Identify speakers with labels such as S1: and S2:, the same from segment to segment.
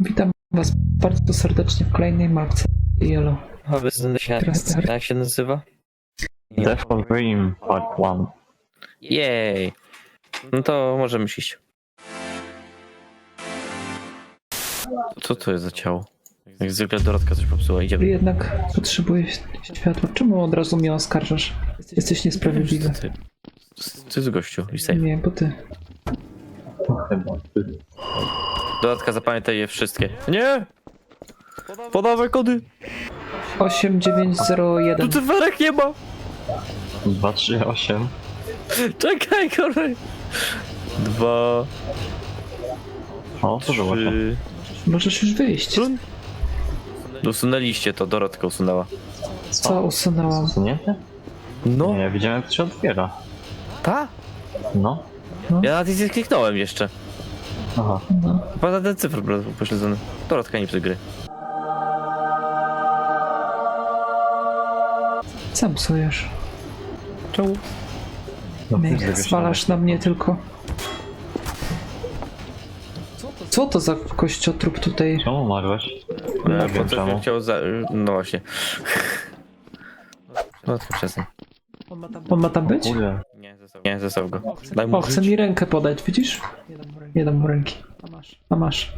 S1: Witam Was bardzo serdecznie w kolejnej mapce Yellow.
S2: A jak się nazywa?
S3: Death of Dream Part 1.
S2: Jej! No to możemy iść. Co to jest za ciało? Jak zwykle Dorotka coś popsuła, idziemy.
S1: Jednak potrzebuję światła. Czemu od razu mnie oskarżasz? Jesteś niesprawiedliwy.
S2: Co jest gościu? Listaj.
S1: Nie, bo ty.
S3: Chyba.
S2: Dorotka, zapamiętaj je wszystkie. Nie! Podawaj kody!
S1: 8901.
S2: Tu cyferek nie ma!
S3: 2, 3, 8.
S2: Czekaj, kolej! 2,
S3: O, co było to?
S2: 3...
S1: Możesz już wyjść.
S2: Usunęliście to, Dorotka usunęła.
S1: Co usunęłam?
S3: Usunięte?
S2: No,
S3: Nie, ja widziałem jak to się otwiera.
S2: ta?
S3: No.
S2: Ja na tej kliknąłem jeszcze.
S3: Aha.
S1: No.
S2: Chyba ten cyfr był pośledzony. Dorotka, nie psuj gry.
S1: Sam psujesz.
S2: Czemu?
S3: No,
S1: Nie, zwalasz na mnie tylko. Co to za kościotrup tutaj?
S3: Czemu umarłeś?
S2: No,
S3: Nie wiem czemu.
S2: chciał za... No właśnie. No to przestań.
S1: On ma tam być?
S3: Kurde.
S2: Nie, zostaw go. Daj mu
S1: O, chce
S2: żyć.
S1: mi rękę podać, widzisz? Nie dam mu ręki. A masz.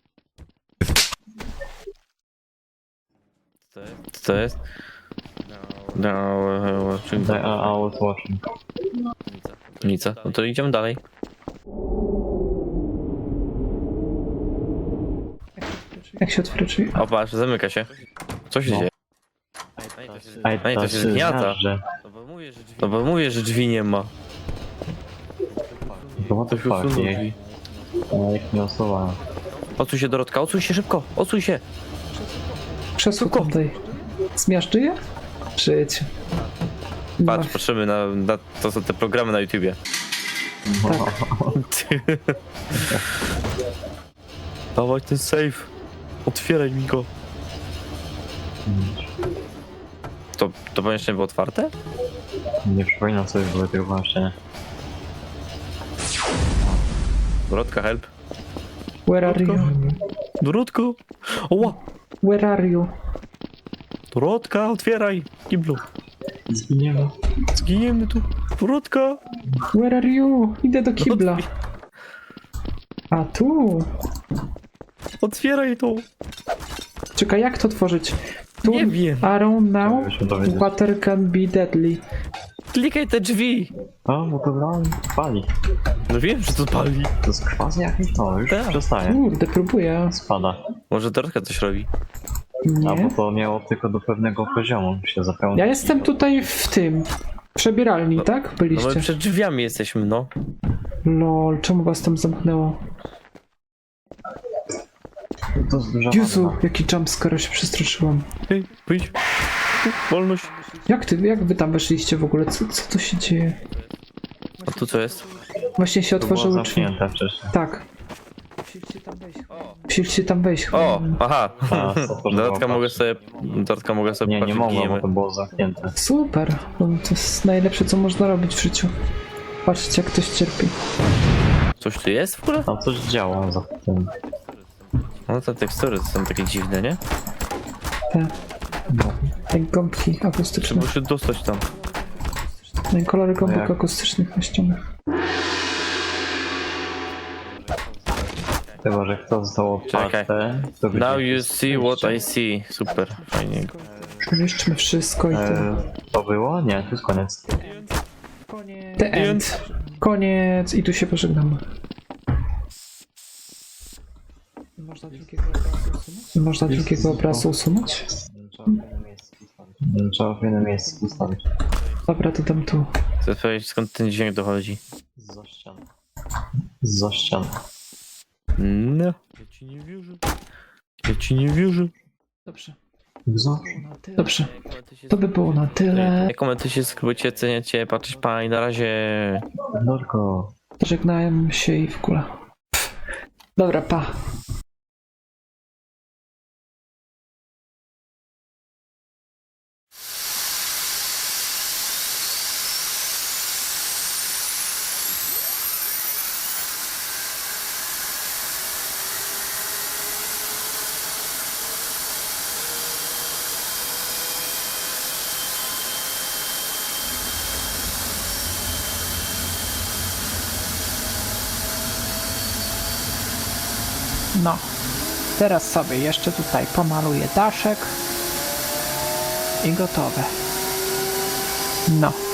S2: Co to jest? No, czyli
S3: I was watching.
S2: nic. No to idziemy dalej.
S1: Jak się otworzy drzwi?
S2: O, patrz, zamyka się. Co się
S3: No.
S2: dzieje? Ej, to się zgniata. No bo mówię, że drzwi nie ma.
S3: To what
S2: To
S3: the
S2: się
S3: fuck,
S2: usunął
S3: nie?
S2: drzwi.
S3: Ja ich nie usuwałem.
S2: Odsuń się, Dorotka, odsuń się szybko, odsuń się.
S1: Krzesło tutaj. Zmiażdży je? Przyjdź.
S2: Patrz, patrzymy na to są te programy na YouTubie.
S1: Tak.
S2: Dawaj ten safe. Otwieraj mi go. To pomieszczenie było otwarte?
S3: Nie przypominam sobie, były tego pomieszczenia.
S2: Dorotka, help.
S1: Where are you?
S2: Dorotko! Oła!
S1: Where are you?
S2: Dorotka, otwieraj! Kiblu.
S3: Zginiemy.
S2: Zginiemy tu. Dorotka!
S1: Where are you? Idę do kibla. A tu?
S2: Otwieraj to!
S1: Czekaj, jak to tworzyć? Tu
S2: Nie wiem.
S1: arrow now,
S3: Musimy to wiedzieć.
S1: water can be deadly.
S2: Klikaj te drzwi!
S3: O, bo to brałem. Pali.
S2: No wiem, że to pali.
S3: To jest kwas jakiś? No, już
S2: Tak.
S3: przestaje.
S1: Kurde, próbuję.
S3: Spada.
S2: Może Dorotka coś robi.
S3: A
S1: Nie.
S3: bo to miało tylko do pewnego poziomu się zapełnić.
S1: Ja jestem tutaj w tym. W przebieralni, tak?
S2: No my
S1: Byliście.
S2: przed drzwiami jesteśmy, no.
S1: Lol, czemu was tam zamknęło?
S3: To jest duża
S1: Jezu,
S3: wanna.
S1: jaki jumpscare, się przestraszyłam.
S2: Hej, wyjdź. Wolność.
S1: Jak wy tam weszliście w ogóle? Co to się dzieje?
S2: A tu co jest?
S1: Właśnie się
S3: To było
S1: otworzyły drzwi.
S3: zamknięte wcześniej.
S1: Tak. Musieliście tam wejść.
S2: O, aha.
S3: A, co to
S2: Dorotka
S3: było?
S2: mogę sobie
S3: Nie, nie
S2: patrzeć,
S3: mogłem, bo
S2: giniemy.
S3: to było zamknięte.
S1: Super. No, to jest najlepsze, co można robić w życiu. Patrzcie, jak ktoś cierpi.
S2: Coś tu jest w ogóle?
S3: Tam coś działo za tym.
S2: No te tekstury są takie dziwne, nie?
S1: Te,
S3: No.
S1: jak gąbki akustyczne.
S2: Trzeba się dostać tam.
S1: No i kolory gąbek
S3: jak?
S1: akustycznych na ścianach.
S3: Chyba, że kto został
S2: Czekaj.
S3: otwarte, to będzie
S2: Now you
S3: jakieś
S2: see what
S3: przejście.
S2: I see. Super, fajnie.
S1: Przeniszczmy wszystko i tyle.
S3: To było? Nie, to jest koniec.
S1: The end. Koniec. I tu się pożegnamy. Można drugiego obrazu usunąć?
S3: Trzeba w innym miejscu ustawić.
S1: Dobra, to dam tu.
S2: Chcę powiedzieć, skąd ten dźwięk dochodzi.
S3: Za ścian. Za ścian.
S2: No. Ja ci nie wierzę. Ja ci nie wierzę.
S1: Dobrze.
S3: Za?
S1: Dobrze. To by było na tyle.
S2: Komentujcie, subskrybujcie, ceniacie, patrzeć pani, na razie.
S3: Norko.
S1: Żegnałem się i w ogóle. Dobra, pa. No. Teraz sobie jeszcze tutaj pomaluję daszek. I gotowe. No.